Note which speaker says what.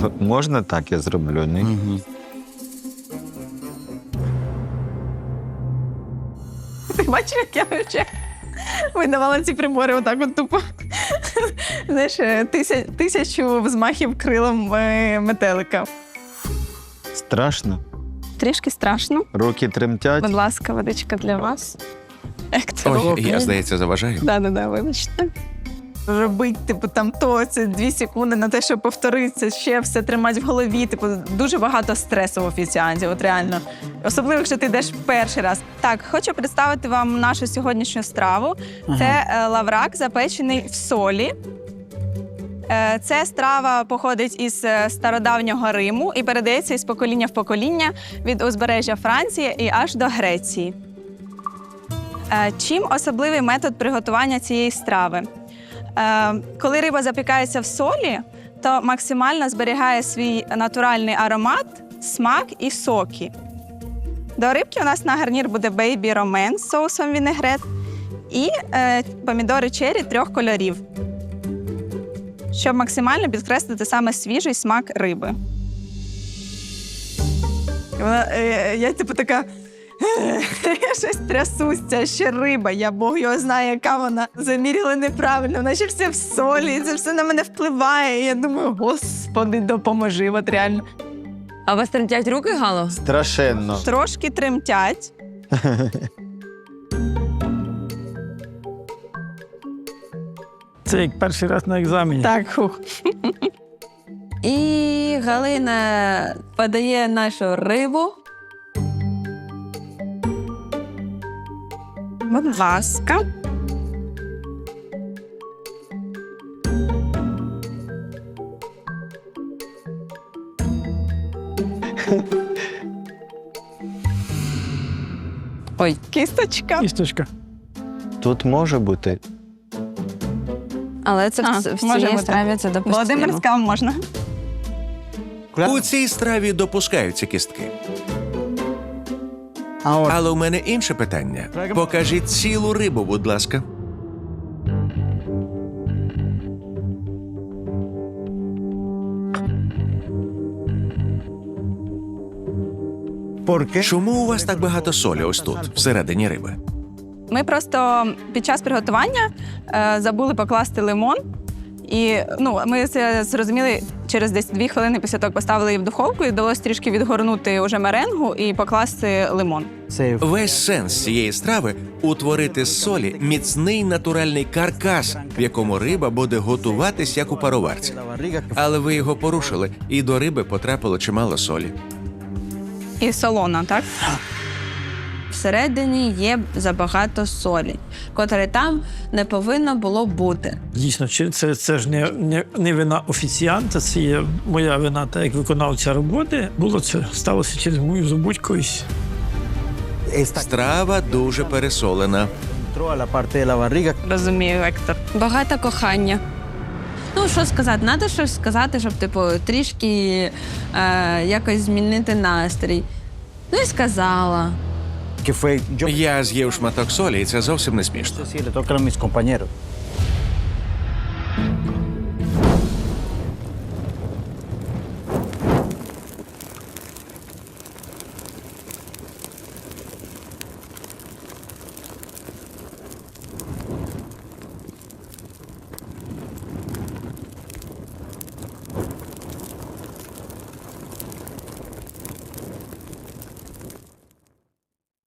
Speaker 1: Можна так я зроблю? Ні?
Speaker 2: Угу.
Speaker 3: Ти бачив, як я вже видавала ці прибори отак от тупо. Знаєш, тисячу взмахів крилом метелика.
Speaker 1: Страшно?
Speaker 3: Трішки страшно.
Speaker 1: Руки тремтять?
Speaker 3: Будь ласка, водичка для вас.
Speaker 2: Ой, я, здається, заважаю.
Speaker 3: Да, вибачте. Робить, типу, там то, це 2 секунди на те, щоб повторитися, ще все тримати в голові. Типу, дуже багато стресу в офіціанті, от реально. Особливо, якщо ти йдеш перший раз. Так, хочу представити вам нашу сьогоднішню страву. Це лаврак, запечений в солі. Ця страва походить із стародавнього Риму і передається із покоління в покоління від узбережжя Франції і аж до Греції. Чим особливий метод приготування цієї страви? Коли риба запікається в солі, то максимально зберігає свій натуральний аромат, смак і соки. До рибки у нас на гарнір буде бейбі ромен з соусом вінегрет і помідори черрі 3 кольорів, щоб максимально підкреслити саме свіжий смак риби. Я типу така... Я щось трясуся, ще риба, Бог його знає, яка вона. Заміряли неправильно, вона ще все в солі, це все на мене впливає. І я думаю, Господи, допоможи, от реально.
Speaker 4: А у вас тремтять руки, Гало?
Speaker 1: Страшенно.
Speaker 3: Трошки тремтять.
Speaker 5: Це як перший раз на екзамені.
Speaker 3: Так, хух.
Speaker 4: І Галина подає нашу рибу.
Speaker 3: Будь ласка.
Speaker 4: Ой,
Speaker 3: Кісточка.
Speaker 5: Кісточка.
Speaker 1: Тут може бути.
Speaker 4: але це в
Speaker 3: може
Speaker 4: цій
Speaker 3: бути.
Speaker 4: страві це допустимо.
Speaker 3: Володимирська можна.
Speaker 2: У цій страві допускаються кістки. Але у мене інше питання. Покажіть цілу рибу, будь ласка. Чому у вас так багато солі ось тут, всередині риби?
Speaker 3: Ми просто під час приготування забули покласти лимон. І ми це зрозуміли через десь 2 хвилини після того, як поставили її в духовку, і вдалося трішки відгорнути уже меренгу і покласти лимон.
Speaker 2: Весь сенс цієї страви – утворити з солі міцний натуральний каркас, в якому риба буде готуватись, як у пароварці. Але ви його порушили, і до риби потрапило чимало солі.
Speaker 3: І солона, так?
Speaker 4: Всередині є забагато солі, котрої там не повинно було бути.
Speaker 5: Дійсно, це ж не вина офіціанта, це є моя вина, так як виконавця роботи. Це сталося через мою забудькою.
Speaker 2: Страва дуже пересолена.
Speaker 3: Розумію, Вектор.
Speaker 4: Багато кохання. Ну, що сказати? Треба щось сказати, щоб, трішки якось змінити настрій. Ну і сказала.
Speaker 2: Я з'їв шматок солі, і це зовсім не смішно.